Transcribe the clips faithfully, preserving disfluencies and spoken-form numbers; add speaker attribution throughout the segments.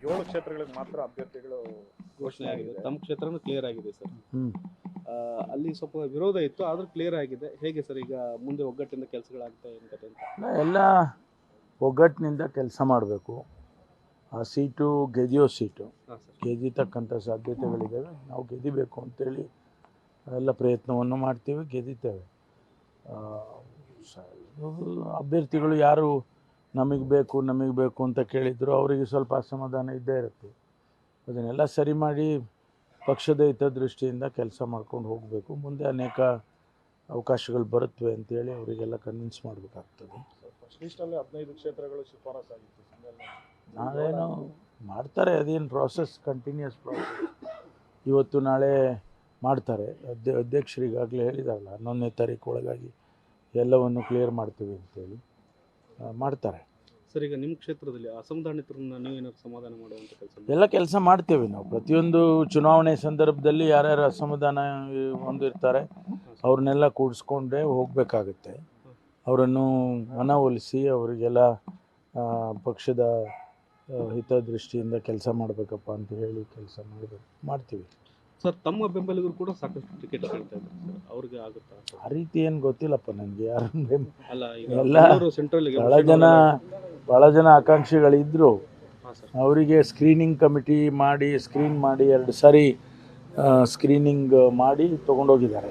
Speaker 1: ಏಳು ಕ್ಷೇತ್ರಗಳಿಗೆ ಮಾತ್ರ ಅಭ್ಯರ್ಥಿಗಳು
Speaker 2: ಘೋಷಣೆ ಆಗಿದೆ. ತಮ್ಮ ಕ್ಷೇತ್ರನೂ ಕ್ಲಿಯರ್ ಆಗಿದೆ ಸರ್.
Speaker 3: ಹ್ಞೂ
Speaker 2: ಅಲ್ಲಿ ಸ್ವಲ್ಪ ವಿರೋಧ ಇತ್ತು, ಆದರೂ ಕ್ಲಿಯರ್ ಆಗಿದೆ. ಹೇಗೆ ಸರ್ ಈಗ ಮುಂದೆ ಒಗ್ಗಟ್ಟಿಂದ ಕೆಲಸಗಳಾಗ್ತಾ ಏನು ಕತೆ ಅಂತ?
Speaker 3: ಎಲ್ಲ ಒಗ್ಗಟ್ಟಿನಿಂದ ಕೆಲಸ ಮಾಡಬೇಕು. ಆ ಸೀಟು ಗೆದಿಯೋ ಸೀಟು, ಗೆದಿತಕ್ಕಂಥ ಸಾಧ್ಯತೆಗಳಿದ್ದಾವೆ. ನಾವು ಗೆದಿಬೇಕು ಅಂತೇಳಿ ಎಲ್ಲ ಪ್ರಯತ್ನವನ್ನು ಮಾಡ್ತೀವಿ, ಗೆದಿತೇವೆ. ಅಭ್ಯರ್ಥಿಗಳು ಯಾರು ನಮಗೆ ಬೇಕು ನಮಗೆ ಬೇಕು ಅಂತ ಕೇಳಿದ್ರು ಅವರಿಗೆ ಸ್ವಲ್ಪ ಅಸಮಾಧಾನ ಇದ್ದೇ ಇರುತ್ತೆ. ಅದನ್ನೆಲ್ಲ ಸರಿ ಮಾಡಿ ಪಕ್ಷದ ಹಿತದೃಷ್ಟಿಯಿಂದ ಕೆಲಸ ಮಾಡ್ಕೊಂಡು ಹೋಗಬೇಕು. ಮುಂದೆ ಅನೇಕ ಅವಕಾಶಗಳು ಬರುತ್ತವೆ ಅಂತೇಳಿ ಅವರಿಗೆಲ್ಲ ಕನ್ವಿನ್ಸ್ ಮಾಡಬೇಕಾಗ್ತದೆ.
Speaker 1: ಫಸ್ಟಿಸ್ಟಲ್ಲೇ ಹದಿನೈದು ಕ್ಷೇತ್ರಗಳು ಶಿಫಾರಸಾಗಿತ್ತು.
Speaker 3: ನಾವೇನು ಮಾಡ್ತಾರೆ, ಅದೇನು ಪ್ರಾಸೆಸ್, ಕಂಟಿನ್ಯೂಸ್ ಪ್ರಾಸೆಸ್. ಇವತ್ತು ನಾಳೆ ಮಾಡ್ತಾರೆ. ಅಧ್ಯ ಅಧ್ಯಕ್ಷರಿಗಾಗಲೇ ಹೇಳಿದಾರಲ್ಲ, ಹನ್ನೊಂದನೇ ತಾರೀಕು ಒಳಗಾಗಿ ಎಲ್ಲವನ್ನು ಕ್ಲಿಯರ್ ಮಾಡ್ತೀವಿ ಅಂತೇಳಿ ಮಾಡ್ತಾರೆ.
Speaker 2: ಸರ್, ಈಗ ನಿಮ್ಮ ಕ್ಷೇತ್ರದಲ್ಲಿ ಅಸಮಾಧಾನಿತರನ್ನ ನೀವೇನಾದ್ರು ಸಮಾಧಾನ ಮಾಡುವಂಥ ಕೆಲಸ?
Speaker 3: ಎಲ್ಲ ಕೆಲಸ ಮಾಡ್ತೇವೆ ನಾವು. ಪ್ರತಿಯೊಂದು ಚುನಾವಣೆ ಸಂದರ್ಭದಲ್ಲಿ ಯಾರ್ಯಾರು ಅಸಮಾಧಾನ ಹೊಂದಿರ್ತಾರೆ ಅವ್ರನ್ನೆಲ್ಲ ಕೂಡಿಸ್ಕೊಂಡೇ ಹೋಗಬೇಕಾಗುತ್ತೆ. ಅವರನ್ನು ಮನವೊಲಿಸಿ ಅವರಿಗೆಲ್ಲ ಪಕ್ಷದ ಹಿತದೃಷ್ಟಿಯಿಂದ ಕೆಲಸ ಮಾಡಬೇಕಪ್ಪ ಅಂತ ಹೇಳಿ ಕೆಲಸ ಮಾಡಬೇಕು ಮಾಡ್ತೀವಿ.
Speaker 2: ಸರ್, ತಮ್ಮ ಬೆಂಬಲಿಗರು ಕೂಡ ಸಾಕಷ್ಟು ಟಿಕೆಟ್ ಕೇಳ್ತಾ ಇದ್ದಾರೆ ಸರ್, ಅವ್ರಿಗೆ ಆಗುತ್ತಾ?
Speaker 3: ಆ ರೀತಿ ಏನು ಗೊತ್ತಿಲ್ಲಪ್ಪ ನನಗೆ. ಯಾರು
Speaker 2: ಅಲ್ಲ,
Speaker 3: ಎಲ್ಲ ಭಾಳ ಜನ ಭಾಳ ಜನ ಆಕಾಂಕ್ಷಿಗಳಿದ್ದರು. ಅವರಿಗೆ ಸ್ಕ್ರೀನಿಂಗ್ ಕಮಿಟಿ ಮಾಡಿ ಸ್ಕ್ರೀನ್ ಮಾಡಿ ಎರಡು ಸಾರಿ ಸ್ಕ್ರೀನಿಂಗ್ ಮಾಡಿ ತೊಗೊಂಡೋಗಿದ್ದಾರೆ.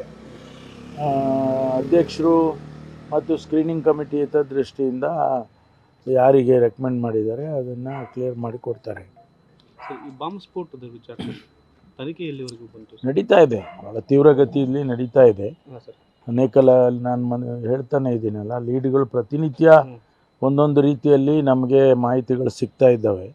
Speaker 3: ಅಧ್ಯಕ್ಷರು ಮತ್ತು ಸ್ಕ್ರೀನಿಂಗ್ ಕಮಿಟಿ ಹಿತದೃಷ್ಟಿಯಿಂದ ಯಾರಿಗೆ ರೆಕಮೆಂಡ್ ಮಾಡಿದ್ದಾರೆ ಅದನ್ನು ಕ್ಲಿಯರ್ ಮಾಡಿ ಕೊಡ್ತಾರೆ.
Speaker 2: ಈ ಬಾಂಬ್ ಸ್ಫೋಟದ ವಿಚಾರ ತನಿಖೆ ಎಲ್ಲಿವರೆಗೂ ಬಂತು?
Speaker 3: ನಡೀತಾ ಇದೆ, ಭಾಳ ತೀವ್ರಗತಿಯಲ್ಲಿ ನಡೀತಾ ಇದೆ. ಅನೇಕ ನಾನು ಮನೆ ಹೇಳ್ತಾನೆ ಇದ್ದೀನಲ್ಲ, ಲೀಡ್ಗಳು ಪ್ರತಿನಿತ್ಯ ಒಂದೊಂದು ರೀತಿಯಲ್ಲಿ ನಮಗೆ ಮಾಹಿತಿಗಳು ಸಿಗ್ತಾ ಇದ್ದಾವೆ.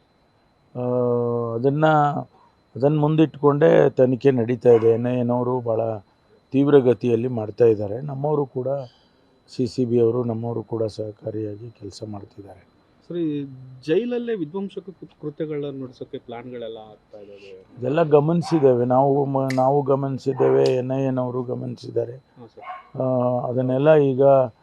Speaker 3: ಅದನ್ನು ಅದನ್ನು ಮುಂದಿಟ್ಟುಕೊಂಡೇ ತನಿಖೆ ನಡೀತಾ ಇದೆ. ಎನ್ ಐ ಎನವರು ಭಾಳ ತೀವ್ರಗತಿಯಲ್ಲಿ ಮಾಡ್ತಾ ಇದ್ದಾರೆ. ನಮ್ಮವರು ಕೂಡ ಸಿ ಸಿ ಬಿ ಅವರು ನಮ್ಮವರು ಕೂಡ ಸಹಕಾರಿಯಾಗಿ ಕೆಲಸ ಮಾಡ್ತಿದ್ದಾರೆ.
Speaker 2: ಸರಿ, ಜೈಲಲ್ಲೇ ವಿಧ್ವಂಸಕ ಕೃತ್ಯಗಳನ್ನ ನಡೆಸೋಕ್ಕೆ ಪ್ಲಾನ್ಗಳೆಲ್ಲ ಆಗ್ತಾ ಇದ್ದಾವೆ.
Speaker 3: ಇದೆಲ್ಲ ಗಮನಿಸಿದ್ದೇವೆ ನಾವು ನಾವು ಗಮನಿಸಿದ್ದೇವೆ, ಎನ್ ಐ ಎನವರು ಗಮನಿಸಿದ್ದಾರೆ. ಅದನ್ನೆಲ್ಲ ಈಗ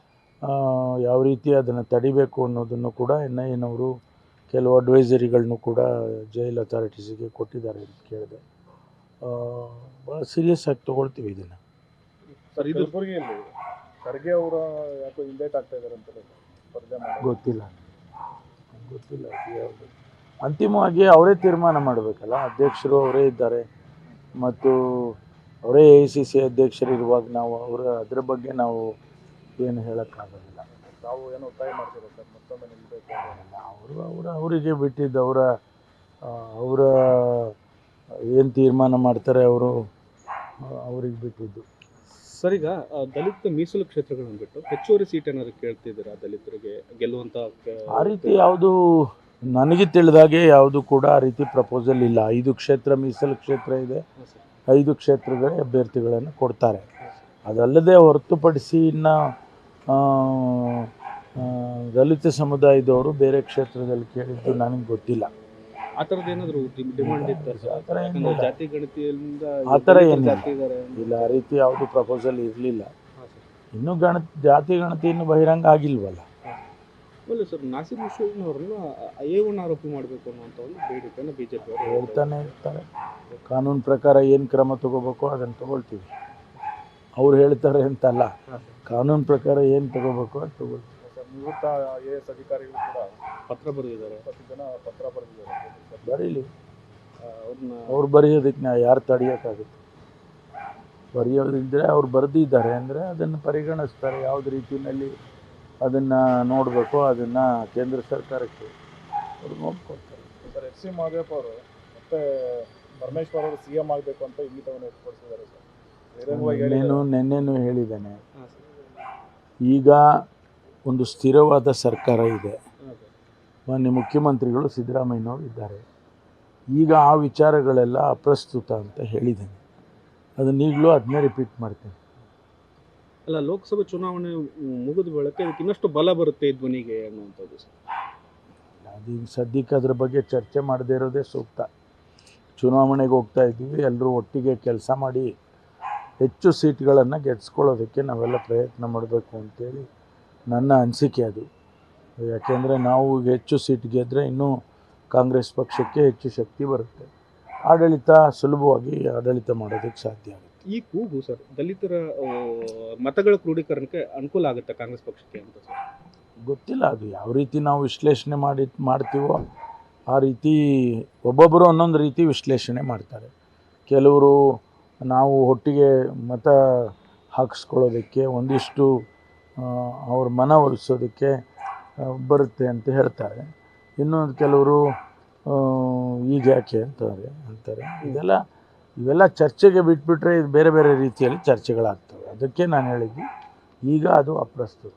Speaker 3: ಯಾವ ರೀತಿ ಅದನ್ನು ತಡಿಬೇಕು ಅನ್ನೋದನ್ನು ಕೂಡ ಎನ್ ಐ ಎನವರು ಕೆಲವು ಅಡ್ವೈಸರಿಗಳನ್ನು ಕೂಡ ಜೈಲ್ ಅಥಾರಿಟೀಸಿಗೆ ಕೊಟ್ಟಿದ್ದಾರೆ ಅಂತ ಕೇಳಿದೆ. ಭಾಳ ಸೀರಿಯಸ್ ಆಗಿ ತೊಗೊಳ್ತೀವಿ ಇದನ್ನು.
Speaker 1: ಸರ್, ಇದು ಕಲಬುರಗಿಯಲ್ಲಿ ಖರ್ಗೆ ಅವರ ಯಾಕೋ ಇಂಡೇಟ್ ಆಗ್ತಾ ಇದ್ದಾರೆ ಅಂತಲೇ
Speaker 3: ಗೊತ್ತಿಲ್ಲ ಗೊತ್ತಿಲ್ಲ ಯಾವುದು. ಅಂತಿಮವಾಗಿ ಅವರೇ ತೀರ್ಮಾನ ಮಾಡಬೇಕಲ್ಲ. ಅಧ್ಯಕ್ಷರು ಅವರೇ ಇದ್ದಾರೆ ಮತ್ತು ಅವರೇ ಎ ಐ ಸಿ ಸಿ ಅಧ್ಯಕ್ಷರು ಇರುವಾಗ ನಾವು ಅವರ ಅದರ ಬಗ್ಗೆ ನಾವು ಏನು ಹೇಳೋಕ್ಕಾಗೋದಿಲ್ಲ.
Speaker 1: ನಾವು ಏನೋ ಒತ್ತಾಯ ಮಾಡ್ತೀವಿ ಸರ್, ಮತ್ತೊಮ್ಮೆ ನಿಲ್ಲಬೇಕು.
Speaker 3: ಅವರು ಅವರ ಅವರಿಗೆ ಬಿಟ್ಟಿದ್ದು, ಅವರ ಅವರ ಏನು ತೀರ್ಮಾನ ಮಾಡ್ತಾರೆ ಅವರು ಅವ್ರಿಗೆ ಬಿಟ್ಟಿದ್ದು.
Speaker 2: ಸರ್, ಈಗ ದಲಿತ ಮೀಸಲು ಕ್ಷೇತ್ರಗಳನ್ನು ಬಿಟ್ಟು ಹೆಚ್ಚುವರಿ ಸೀಟ್ ಏನಾದ್ರು ಕೇಳ್ತಿದ್ದೀರಾ ದಲಿತರಿಗೆ ಗೆಲ್ಲುವಂಥ?
Speaker 3: ಆ ರೀತಿ ಯಾವುದು ನನಗೆ ತಿಳಿದಾಗೆ ಯಾವುದು ಕೂಡ ಆ ರೀತಿ ಪ್ರಪೋಸಲ್ ಇಲ್ಲ. ಐದು ಕ್ಷೇತ್ರ ಮೀಸಲು ಕ್ಷೇತ್ರ ಇದೆ, ಐದು ಕ್ಷೇತ್ರಗಳ ಅಭ್ಯರ್ಥಿಗಳನ್ನು ಕೊಡ್ತಾರೆ. ಅದಲ್ಲದೆ ಹೊರತುಪಡಿಸಿ ಇನ್ನು ದಲಿತ ಸಮುದಾಯದವರು ಬೇರೆ ಕ್ಷೇತ್ರದಲ್ಲಿ ಕೇಳಿದ್ದು ನನಗೆ ಗೊತ್ತಿಲ್ಲ.
Speaker 2: ಆ ಥರದ್ದು ಏನಾದರೂ ಡಿಮಾಂಡ್ ಇತ್ತು?
Speaker 3: ಆ ಥರ ಏನಿಲ್ಲ,
Speaker 2: ಜಾತಿ ಗಣತಿಯಿಂದ
Speaker 3: ಆ ಥರ ಏನಿಲ್ಲ ಇಲ್ಲ, ಆ ರೀತಿ ಯಾವುದು ಪ್ರಪೋಸಲ್ ಇರಲಿಲ್ಲ. ಇನ್ನೂ ಗಣ ಜಾತಿ ಗಣತಿ ಇನ್ನೂ ಬಹಿರಂಗ ಆಗಿಲ್ವಲ್ಲ.
Speaker 2: ಒಳ್ಳೆ ಸರ್, ನಾಸಿರ್ ಹುಸೇನ್ ಅವ್ರನ್ನ ಎ ಒನ್ ಆರೋಪಿ ಮಾಡಬೇಕು ಅನ್ನೋಂಥ ಒಂದು ಬೇಡಿಕೆಯನ್ನು ಬಿ ಜೆ ಪಿ ಅವರು
Speaker 3: ಹೇಳ್ತಾನೆ ಇರ್ತಾರೆ. ಕಾನೂನು ಪ್ರಕಾರ ಏನು ಕ್ರಮ ತಗೋಬೇಕು ಅದನ್ನು ತಗೊಳ್ತೀವಿ. ಅವ್ರು ಹೇಳ್ತಾರೆ ಅಂತಲ್ಲ, ಕಾನೂನು ಪ್ರಕಾರ ಏನು ತಗೋಬೇಕು ಅದು ತಗೊಳ್ತೀವಿ.
Speaker 1: ನಿವೃತ್ತ ಐ ಎ ಎಸ್ ಅಧಿಕಾರಿಗಳು ಕೂಡ
Speaker 2: ಪತ್ರ ಬರೆದಿದ್ದಾರೆ.
Speaker 1: ಹತ್ತು ಜನ ಪತ್ರ ಬರೆದಿದ್ದಾರೆ.
Speaker 3: ಬರೀಲಿ,
Speaker 2: ಅವ್ರನ್ನ
Speaker 3: ಅವ್ರು ಬರೆಯೋದಕ್ಕೆ ನಾವು ಯಾರು ತಡೆಯೋಕ್ಕಾಗುತ್ತೆ? ಬರೆಯೋದಿದ್ದರೆ ಅವ್ರು ಬರೆದಿದ್ದಾರೆ ಅಂದರೆ ಅದನ್ನು ಪರಿಗಣಿಸ್ತಾರೆ. ಯಾವುದೇ ರೀತಿಯಲ್ಲಿ ಅದನ್ನು ನೋಡಬೇಕು ಅದನ್ನು ಕೇಂದ್ರ ಸರ್ಕಾರಕ್ಕೆ ಅವ್ರು ನೋಡ್ಕೊಳ್ತಾರೆ.
Speaker 1: ಸರ್, ಎಚ್ ಸಿ ಮಹದೇವಪ್ಪ ಅವರು ಮತ್ತೆ ಪರಮೇಶ್ವರ್ ಅವರು ಸಿ ಎಂ ಆಗಬೇಕು ಅಂತ ಇಂಗಿತವನ್ನು ವ್ಯಕ್ತಪಡಿಸಿದ್ದಾರೆ ಸರ್.
Speaker 3: ನೆನ್ನೆನೂ ನೆನ್ನೆನೂ ಹೇಳಿದ್ದೇನೆ, ಈಗ ಒಂದು ಸ್ಥಿರವಾದ ಸರ್ಕಾರ ಇದೆ. ಮಾನ್ಯ ಮುಖ್ಯಮಂತ್ರಿಗಳು ಸಿದ್ದರಾಮಯ್ಯನವರು ಇದ್ದಾರೆ. ಈಗ ಆ ವಿಚಾರಗಳೆಲ್ಲ ಅಪ್ರಸ್ತುತ ಅಂತ ಹೇಳಿದ್ದೇನೆ. ಅದನ್ನ ಈಗಲೂ ಅದನ್ನೇ ರಿಪೀಟ್ ಮಾಡ್ತೇನೆ.
Speaker 2: ಅಲ್ಲ, ಲೋಕಸಭೆ ಚುನಾವಣೆ ಮುಗಿದ ಬಳಿಕ ಇದಕ್ಕೆ ಇನ್ನಷ್ಟು ಬಲ ಬರುತ್ತೆ ಈ ಧ್ವನಿಗೆ ಅನ್ನುವಂಥದ್ದು ಸರ್.
Speaker 3: ಅದೀಗ ಸದ್ಯಕ್ಕೆ ಅದ್ರ ಬಗ್ಗೆ ಚರ್ಚೆ ಮಾಡದೇ ಇರೋದೇ ಸೂಕ್ತ. ಚುನಾವಣೆಗೆ ಹೋಗ್ತಾ ಇದ್ದೀವಿ, ಎಲ್ಲರೂ ಒಟ್ಟಿಗೆ ಕೆಲಸ ಮಾಡಿ ಹೆಚ್ಚು ಸೀಟ್ಗಳನ್ನು ಗೆದ್ಸ್ಕೊಳ್ಳೋದಕ್ಕೆ ನಾವೆಲ್ಲ ಪ್ರಯತ್ನ ಮಾಡಬೇಕು ಅಂತೇಳಿ ನನ್ನ ಅನಿಸಿಕೆ ಅದು. ಯಾಕೆಂದರೆ ನಾವು ಹೆಚ್ಚು ಸೀಟ್ ಗೆದ್ದರೆ ಇನ್ನೂ ಕಾಂಗ್ರೆಸ್ ಪಕ್ಷಕ್ಕೆ ಹೆಚ್ಚು ಶಕ್ತಿ ಬರುತ್ತೆ, ಆಡಳಿತ ಸುಲಭವಾಗಿ ಆಡಳಿತ ಮಾಡೋದಕ್ಕೆ ಸಾಧ್ಯ ಆಗುತ್ತೆ.
Speaker 2: ಈ ಕೂಗು ಸರ್ ದಲಿತರ ಆ, ಮತಗಳ ಕ್ರೋಢೀಕರಣಕ್ಕೆ ಅನುಕೂಲ ಆಗುತ್ತೆ ಕಾಂಗ್ರೆಸ್ ಪಕ್ಷಕ್ಕೆ ಅಂತ ಸರ್?
Speaker 3: ಗೊತ್ತಿಲ್ಲ ಅದು ಯಾವ ರೀತಿ ನಾವು ವಿಶ್ಲೇಷಣೆ ಮಾಡಿ ಮಾಡ್ತೀವೋ ಆ ರೀತಿ ಒಬ್ಬೊಬ್ಬರು ಒಂದೊಂದು ರೀತಿ ವಿಶ್ಲೇಷಣೆ ಮಾಡ್ತಾರೆ. ಕೆಲವರು ನಾವು ಒಟ್ಟಿಗೆ ಮತ ಹಾಕಿಸ್ಕೊಳ್ಳೋದಕ್ಕೆ ಒಂದಿಷ್ಟು ಅವ್ರ ಮನವೊಲಿಸೋದಕ್ಕೆ ಬರುತ್ತೆ ಅಂತ ಹೇಳ್ತಾರೆ. ಇನ್ನೊಂದು ಕೆಲವರು ಈಗ ಯಾಕೆ ಅಂತಾರೆ ಅಂತಾರೆ ಇದೆಲ್ಲ ಇವೆಲ್ಲ ಚರ್ಚೆಗೆ ಬಿಟ್ಬಿಟ್ರೆ ಇದು ಬೇರೆ ಬೇರೆ ರೀತಿಯಲ್ಲಿ ಚರ್ಚೆಗಳಾಗ್ತವೆ. ಅದಕ್ಕೆ ನಾನು ಹೇಳಿದ್ದು ಈಗ ಅದು ಅಪ್ರಸ್ತುತ.